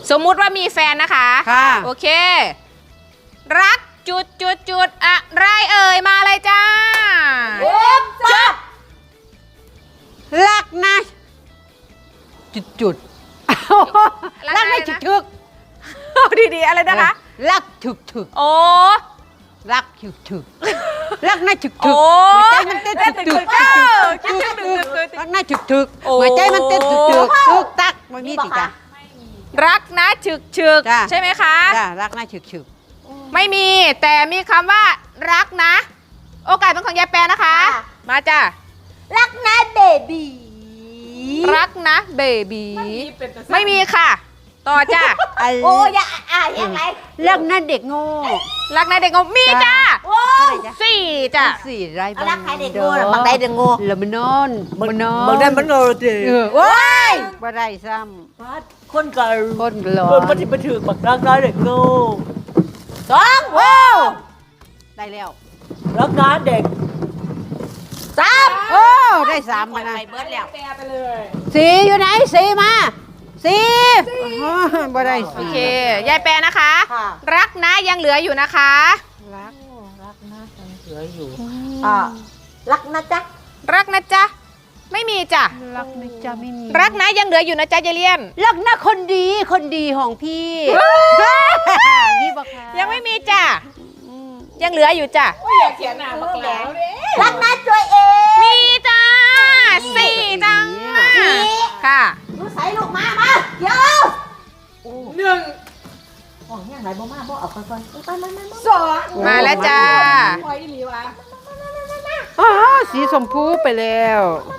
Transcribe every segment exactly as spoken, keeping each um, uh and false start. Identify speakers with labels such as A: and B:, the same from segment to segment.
A: สมมุติว่ามีแฟนนะคะ
B: ค่ะ
A: โอเครักจุดจุดจุดอะไรเอ่ยมาเลยจ้า
B: จับรักนะจุดจุดรักนะถึกถึก
A: ดีๆอะไรนะคะ
B: รักถึกถึก
A: โอ้
B: รักถึกถึกรักนะถึกถึกหัวใจมันเต้นถึกถึกรักนะถึกถึกหัวใจมันเต้นถึกถึกตึกตักมันมีสิจ้ะ
A: รักนะฉึกฉึกใช่ไหมคะ
B: จ้ะรักนะฉึกฉึก
A: ไม่มีแต่มีคำว่ารักนะโอกาสเป็นของยายแปรนะคะมาจ้ะ
C: รักนะเบบี
A: รักนะเบบีไม่มีค่ะต่อจ้ะ
C: โอ้ยอ่ะยังไง
B: รักนะเด็กโง่
A: รักนะเด็กโง่มีจ้ะสี่จ้ะ
B: สี่ไรบ้าง
C: รักใครเด็กโง่บางใดเด็กโง่
B: ละมันนอนมันนอน
C: บางใดมันโง่จริง
B: โอ้ยบ่ได้ซ้
C: ำคนกัน
B: คนหล่อ
C: คนปฏิบัติถือบักรักนะเด็กโง่สอง
B: โอ้ได้แล้ว
C: รักนะเด็กสาม
B: โอ้ได้สามมานะ
C: ไปเบิร์ดแล้ว
A: ไปเลย
B: สี่อยู่ไหนสี่มาสี่บ่ได้
A: โอเคยายแปรนะคะรักนะยังเหลืออยู่นะคะ
C: รักรักนะยังเหลืออยู่อ่ารักนะจ๊ะ
A: รักนะจ๊ะไม่มีจ้ะ
B: รักนะจ๊ะไม่มี
A: รักนะยังเหลืออยู่นะจ๊ะยายเลียน
B: รักนะคนดีคนดีของพี่นี่บอกค่ะ
A: ยังไม่มีจ้ะยังเหลืออยู่จ้ะ
C: อย่าเขียนหน้าบักแล้วรักนะตัวเอง
A: มีจ้าสี่จ้าค่ะ
C: รู้ใส่ลูกมามาเดี๋ยว
A: หนึ่ง
C: โอ้ยยังไงบ่มาบ่เอาค่อยๆไปมามา
A: สองมาแล้วจ้า
C: คอยอีหลีวะ
B: อ๋อสีชมพูไปแล้ว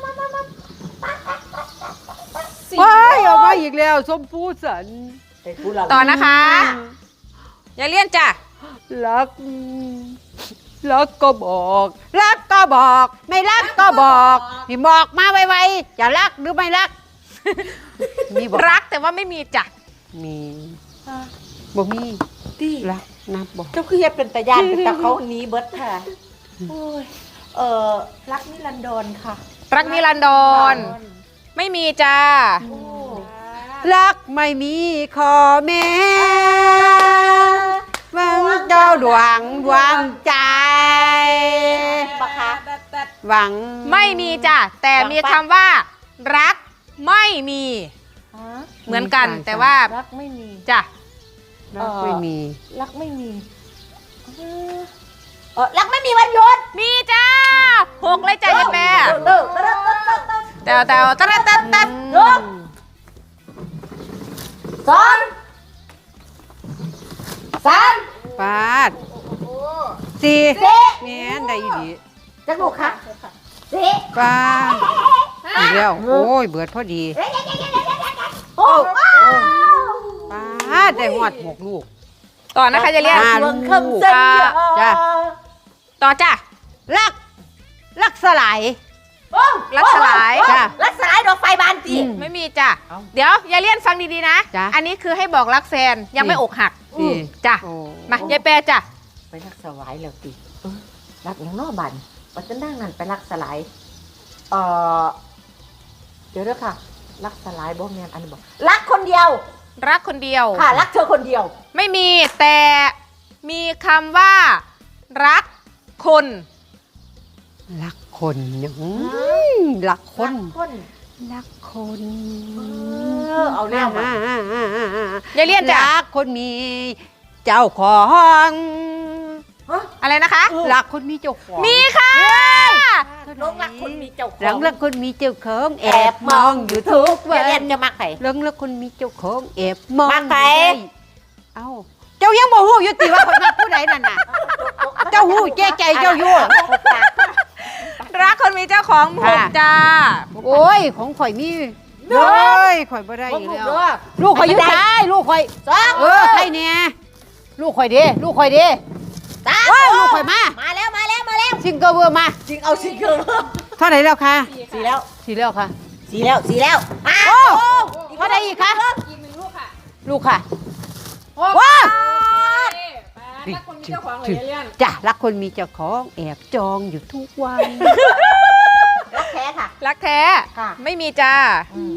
B: ว้ายออกมาอีกแล้วชมพูสัน
A: ต่อนะคะอย่าเลี่ยนจ้ะ
B: รักรักก็บอกรักก็บอกไม่รักก็บอกนี่บอกมาไวๆจะรักหรือไม่รัก
A: มีบอกรักแต่ว่าไม่มีจ้ะ
B: มีบ่มีที่รักนับบอก
C: เจ้าคือเฮ็ดเป็นตาญาติเป็นตาเขาหนีเบิดค่ะโอ้ยเออรักนิรันดรค่ะ
A: รักนิรันดรไม่มีจ้า
B: รักไม่มีขอแม่หวังเจ้าดวงดวงใจหวัง
A: ไม่มีจ้ะแต่มีคำว่ารักไม่มีเหมือนกันแต่ว่า
C: รักไม่มี
A: จ้ะ
B: รักไม่มี
C: รักไม่มีเออรักไม่มีวันหยุด
A: มีจ้าหกเลยจ้ะยายแปรแต่แต่ตัดตัดตัด
C: หนึ่งสองสาม
B: ปาดสี่เนี่ยได้ดี
C: จักลูกค่ะสี่
B: ปาดอีกแล้วโอ้ยเบิดพอดี
C: โอ้
B: ปาดได้หอดหกลูก
A: ต่อนะคะจะเรียก
B: ลูกจ้ะ
A: ต่อจ้ะ
B: รักรักสลาย
A: รักสลาย
B: จ้ะ
C: รักสลายดอกไฟบานจี
A: ไม่มีจ้ะเดี๋ยวยายเลี่ยนฟังดีๆนะอันนี้คือให้บอกรักแฟนยังไม่อกหักจ้ะมายายแปรจ้ะ
C: ไปรักสลายแล้วตีรักอย่างนอกบันวันจะนั่งนั่นไปรักสลายเออเดี๋ยวด้วยค่ะรักสลายบ่แม่นอันนี้บอกรักคนเดียว
A: รักคนเดียว
C: ค่ะรักเธอคนเดียว
A: ไม่มีแต่มีคำว่ารักคน
B: รักคนยังรักคนรักคน
C: เอาแน่ม
A: ายายเลี่ยนจ้ะ
B: รักคนมีเจ้าของ
A: อะไรนะคะ
B: รักคนมีเจ้าของ
A: มีค่ะ
C: ลงรักคนมีเจ้าของ
B: หลังรักคนมีเจ้าของแอบมองอยู่ทุกวัน
C: เลี่ยนจะมักใคร
B: หลังรักคนมีเจ้าของแอบมอง
C: มักใคร
B: เอ้าเจ้ายังบ่ฮู้อยู่ติว่าคนมักผู้ใดนั่นน่ะเจ้าฮู้แก่ใจเจ้าอยู่
A: รักคนมีเจ้าของผมจ้า
B: โอ้ยของข่อยมีเฮ้ยข่อยบ่ได้อยู่แล้วลูกข่อยอยู่ได้ลูกข่อยเออใครเนี่ยลูกข่อยเด้ลูกข่อยเด้
C: ตา
B: ลูกข่อยมา
C: มาแล้วมาแล้วมาแล้ว
B: ซิงเกิลเวอร์มา
C: ซิงเอาซิงเกิล
B: เท่าไหร่แล้วคะ
C: สี่แล้ว
B: สี่แล้วค่ะ
C: สี่แล้วสี่แล้ว
B: โอ้เท่าไหร่อีกคะ
A: อีกหนึ่งลูกค่ะ
B: ลูกค่ะว้า
A: รักคนมีเจ้าของเลยเลี่ยน
B: จ้ะรักคนมีเจ้าของแอบจองอยู่ทุกวัน
C: รักแท้ค่ะ
A: รักแท้ไม่มีจ้า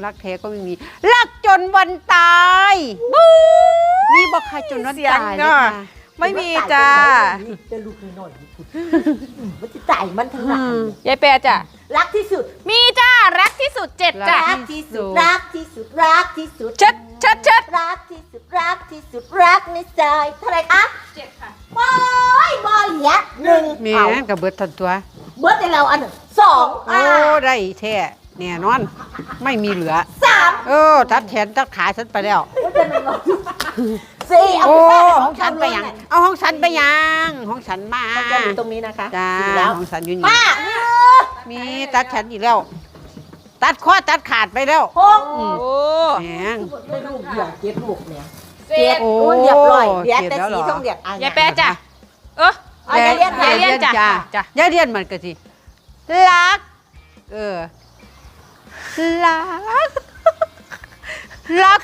B: รักแท้ก็ไม่มีรักจนวันตายมีบอกใครจนวันตายเลยค่ะ
A: ไม่มีจ้า
C: จะลูกน้อยๆพูดมันจะตายมันทั้งนั้น
A: ยายแปรจ้ะ
C: รักที่สุด
A: มีจ้ารักที่สุดเจ็ดจ้ะ
C: รักที่สุดรักที่สุดรักที่สุด
A: เชิดเชิดเชิด
C: รักที่สุดรักที่สุดรักในใจเท่าไหรคะ
A: เจ็ดค่ะ
C: บอยบอยเหลียหนึ่ง
B: แม่
C: เอา
B: นกับเบิดทันตัว
C: เบิร์ดในเราอันหนึ่งสอง
B: โอ้
C: อ่า
B: ได้แท้แน่นอน ไม่มีเหลือ
C: สาม
B: เออทัดแขนทัดขาฉันไปแล้ว
C: สี่เอา
B: โอ้
C: ไป
B: ของฉันไปยังเอาของฉันไปยังของฉันมา
C: มันจะอยู่ตรงนี้นะคะ
B: จ้า
C: สี่แล้ว
B: ของฉันอยู่นี่
C: ป้า
B: มีตัดแขนอีกแล้ว ตัดข้อตัดขาดไปแล้ว
C: หก
B: อืม
A: โอ้
B: แหง
C: ได้ลูกเดียวเจ็ดลูกเนี่ย
A: เจ็ด
B: โอ้
C: โอ้เรียบร้อยเดี๋ยว
B: เจ็ด
C: แต่
B: แล้วเหร
C: สี
B: อ
C: ต้องเรียกอ่ะ
A: ยายแปรจ้ะเออ
C: เอาอย่าเรียน
A: อย่าเรียนจ้ะจ้ะ
B: ยายเรียนมันก็สิรัก เออรักรัก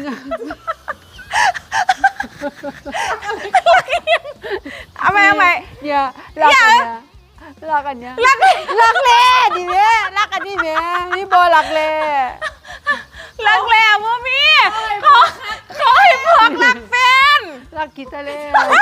A: เอาไหมเอาไหม
B: เนี่ยรักอันเนี้ยรักอันเนี้ย
A: รัก
B: รักเล่ดิแม่รักอันนี้แม่นี่บ่รักเล่
A: รักแล้วบ่มีขอขอให้พวกรักแฟน
B: รักกิตาเล่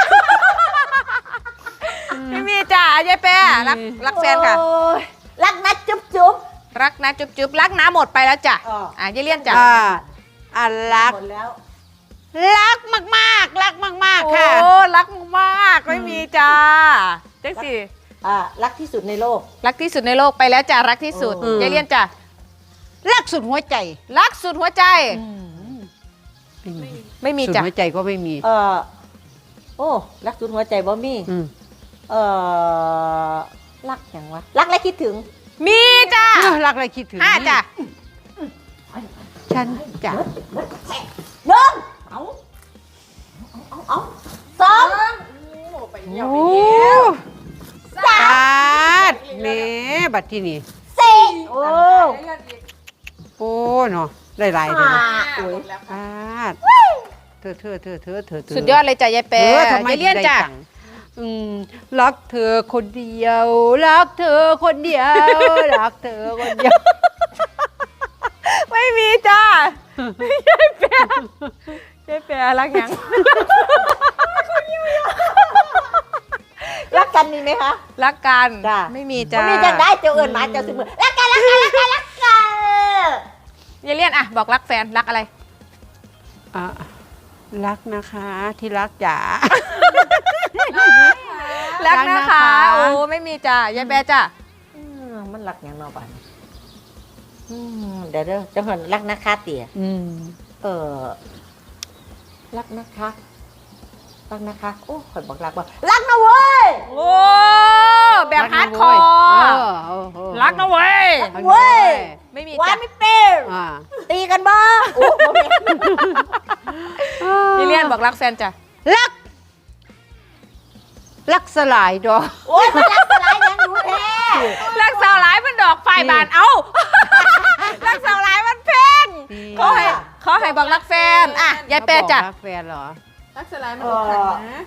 A: ไม่มีจ้ะยายแปรรักรักแฟนค่ะ
C: โอ้ยรักนะจุ๊บจุ๊บ
A: รักนะจุ๊บจุ๊บรักน้าหมดไปแล้วจ้ะ
C: อ๋อ
A: อ่ะยายเลี่ยนจ้ะ
B: อ่าอ่ะรัก
C: หมดแล้ว
B: รักมากๆรักมากๆค่ะ
A: โอ้รักมากไม่มีจ้าเจ๊สิ
C: อ่ารักที่สุดในโลก
A: รักที่สุดในโลกไปแล้วจ้ะรักที่สุด
C: อืม
A: ยายเลี่ยนจ้ะ
B: รักสุดหัวใจ
A: รักสุดหัวใจ
B: ไม่มี
A: ไม่มี
B: สุด
A: จ้ะ
B: หัวใจก็ไม่มี
C: เออโอ้รักสุดหัวใจบ่มี
B: อืม
C: เออรักอย่างวะรักและคิดถึง
A: มีจ้ะ
B: อ้าวรักอะไรคิดถึง
A: ห้าจ้ะ
B: ฉันจะ
C: หนึ่งเอาเอาเอาเอาสอง
B: โอ้สาดแหม่บัดที่นี่
C: สี่โอ้
B: โอ้เนาะได้หลายเลย
C: ห้า
B: นะ
C: โอ้ย
B: สาดเธอเธอเธอเธอเธอเธอ
A: สุดยอดเลยจ้ะยายแปร
B: เออทำไม
A: ยายเลี่ยน
B: ได้
A: จ้ะ
B: ตังค์อืมรักเธอคนเดียว รักเธอคนเดียว รักเธอคนเดียว
A: ไม่มีจ้ะยายแปรยายแปรรักยัง
C: รักกันมีไหมคะ
A: รักกัน
C: จ้ะ
A: ไม่มีจ้ะ
C: มีจังได้เจ้าเอิญมาเจ้าสมือรักกันรักกันรักกันรักกัน
A: ยายเลี่ยนอะบอกรักแฟนรักอะไร
B: อ่ะรักนะคะที่รักจ๋า
A: รัก
B: รัก
A: นะ
B: นะคะ
A: คะโอ้ไม่มีจ้ะยายแปรจ้ะ
C: อืมมันรักอย่างนอบันอืมเดี๋ยวเดี๋ยวจังหวะรักนะคะเตี๋ย
B: อืม
C: เออรักนะคะรักนะคะโอ้ข่อยบอกรักว่ารักนะเว้ย
A: โอ้แบบฮาร์ดคอร์
B: เออเออ
A: รักนะเว้ย
B: รักนะ
C: เว้
B: เว้
C: ย
B: ย
A: ไม่มี
C: ว่า
A: จ้ะ
C: ไม่เป็น
B: อ่า
C: ตีกันบ้าโอ้บ่แม่น
A: ยายเลี่ยนบอกรักแฟนจ้ะ
B: รัก รักสลายดอก
C: โอ้ยมันรักสลายยังรู้แท้
A: รักสาวร้ายมันดอกไฟบานเอ้า รักสาวร้ายมันเพลงเขาให้เขาให้บอกรักแฟนอ่ะยายแปรจ้ะ
B: รักแฟนเหรอ
A: รักสลายมัน
C: เอ
A: อกหัก
C: อ
A: นะ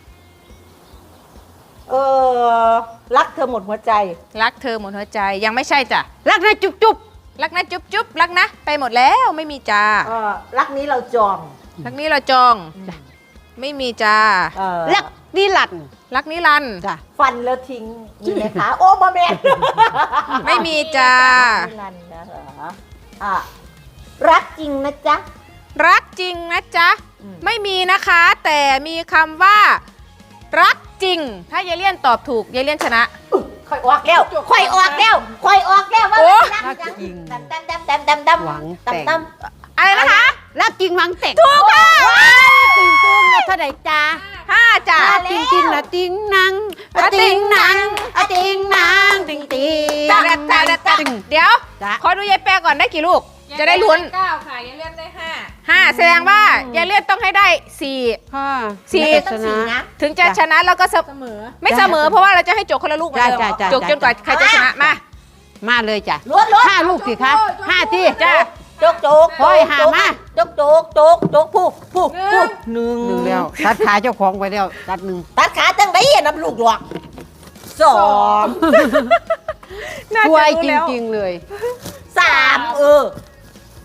C: เออรักเธอหมดหัวใจ
A: รักเธอหมดหัวใจยังไม่ใช่จ้ะ
B: รักนะจุ๊บจุ๊บ
A: รักนะจุ๊บจุ๊บรักนะไปหมดแล้วไม่มีจ้า
C: เออรักนี้เราจอง
A: รักนี้เราจอง ไม่มีจ้า
C: เออ
B: รักนิรันดร์
A: รักนิรันดร์
B: จ้ะ
C: ฟันแล้วทิ้งมีไหมคะ โอ้บ่แม่น
A: ไม่มีจ้า
C: นิรันดร์นะเหรออ่ะรักจริงนะจ๊ะ
A: รักจริงนะจ๊ะ
C: อืม
A: ไม่มีนะคะ แต่มีคำว่า รักจริง ถ้ายายเลี่ยนตอบถูกยายเลี่ยนชนะ
C: ค่อยออกแก้วค่อยออกแก้วค่อยออกแก้วว่า
A: โอ้
C: รัก
B: รักจริง
C: ดำดำดำดำดำดำ
B: หวังแต่ง
C: ดำดำ
A: อะไรนะคะ
B: รักจริงหวังแต่ง
A: ถูกค่ะ
B: ติงตุ้งเท่าไหร่จ้า
A: ห้าจ้ะ
B: อะติงติงละติงนังอะติงนังอะติงนังติงติง
A: จ้าจ้าจ้าจ้าเดี๋ยว
B: จ้ะ
A: ขอดูยายแปรก่อนได้กี่ลูก จะได้ลุ้น
D: เก้าค่ะยังเล่นได้ห้า
A: ห้าแสดงว่ายายเลี่ยนต้องให้ได้สี่
B: ค่ะ
A: สี่
C: ต้องสีนะ
A: ถึงจะชนะแล้วก็เสมอ
D: เสมอ
A: ไม่เสมอเพราะว่าเราจะให้จบคนละลูกเหมือนเดิม
B: จ้ะจ้ะ
A: จบจนกว่าใครจะชนะมา
B: มาเลยจ้ะ
C: ล้วนล้วน
B: ห้าลูกสิคะห้าที่
A: จ้ะ
C: โจกโจก
B: โอ้ยหามา
C: โจกโจกโจกโจกผู้ผู้ผู้หนึ่ง
B: หนึ่งแล้วตัดขาเจ้าของไปแล้วตัดหนึ่ง
C: ตัดขาตั้งไหนอ่ะน้ำลูกหลวกสอง
A: น่า
B: ช่
A: จะ
B: วย
A: รู้
B: จ
A: แล้ว
B: ริงๆเลย
C: สามเออ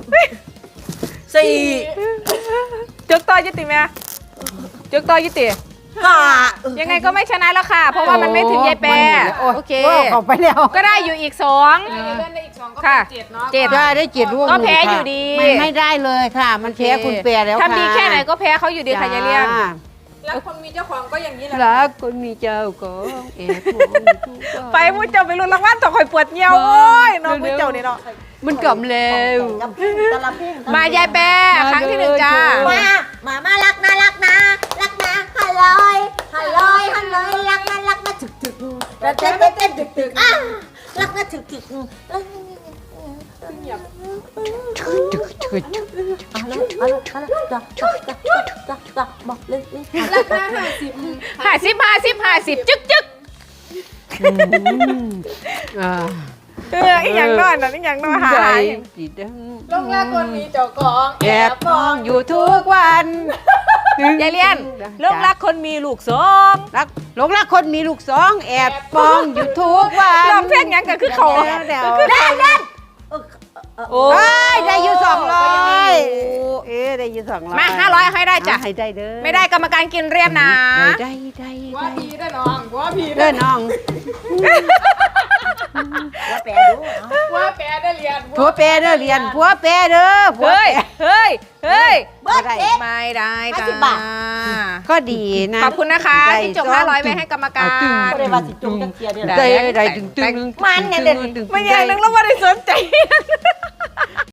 C: สี่
A: จึกต่อยุติแม่จึกต่อยุติ
C: ห้า
A: ยังไงก็ไม่ชนะแล้วค่ะ เพราะว่ามันไม่ถึงยายแปรโอเค
B: เข้าไปแล้ว
A: ก็ได้อยู่อีกสอง
D: เล่นได้อีกสองก็
A: ค่ะ
D: เป็นเจ็ดเนาะ
A: เจ็ด
B: ได้ได้เจ็ดร่วม
A: ก็แพ้อยู่ดี
B: มันไม่ได้เลยค่ะ มันแพ้คุณแปรแล้วค่ะ
A: ทำดีแค่ไหนก็แพ้เขาอยู่ดีค่ะยายเลี้ยง
D: แล้วคนมีเจ้าของก็อย่างนี้แหละ
B: รักคนมีเจ้าของเอ็ดมองอยู่ทุกวัน
A: ไปมุ้เจ้าไปลุ้นรางวัลต่อคอยปวดเงี้ยวโอ้ยน้องมุ้เจ้านี่เนาะ
B: มันกำเร็ว
C: แต่ละเพลง
A: มายายแปรครั้งที่หนึ่งจ้า
C: มา มา มารักนะรักนะรักนะฮัลโหลฮัลโหลฮัลโหลรักนะรักนะถึกถึกเต้นเต้นเต้นถึกถึกอ่ะรักนะถึกถึก
B: จึกจึกจึก
C: อะไรอะไรอะไรจับจับจับจับจับจับบอกเลยเลย
D: ราคาห้าสิบ
A: ห้าสิบห้าสิบห้าสิบจึ๊กจึ๊ก
B: อ่า
A: เอออีหยังนอนน่ะอีหยังนอนหา
B: ใจ
A: ย
B: สีด
D: ลงแรกคนมีเจ้าของ
B: ำแอบมองอยู่ทุกวัน
A: ยายเลี้ยนลงรักคนมีลูกสอง
B: รักหลงรักคนมีลูกสองแอบมองอยู่ทุกวัน
A: ลองเพลงหยังก็คือเขา
B: เดี๋ยว
A: คือเขาโอ้
B: โอ้ยได้อยู่สองร้อยเอ๊ะได้อยู่สองร้อย
A: มาห้าร้อยให้ได้จ้ะ
B: ให้ได้เด้อ
A: ไม่ได้กรรมการกินเรียบนะ
B: ได้ได้
D: ว่า
B: ได้
D: พีได้น้องว่าพี
B: เด้อน้อง
C: ว่าแปลดู
D: ว่าแปรได้เรียน
B: ผัวแปรเด้อเรียนผัวแปรเด้อผัว
A: เฮ้ย
B: แปร
A: เฮ้ยเฮ้ย
C: เบิร์ดเอ๊ะ
A: ไม่ได้จ้า
C: ห้าสิบบาท
B: ก็ดีนะ
A: ขอบคุณนะคะที่จบห้าร้อยไว้ให้กรรมการ
C: ก็เลยว่าสิจุงจังเกียร์เนี่ย
B: ได้ได้ดึงดึง
C: มันเนี่ยเดี๋ยว
A: ไม่ยังนึงแล้วไม่ได้สนใจ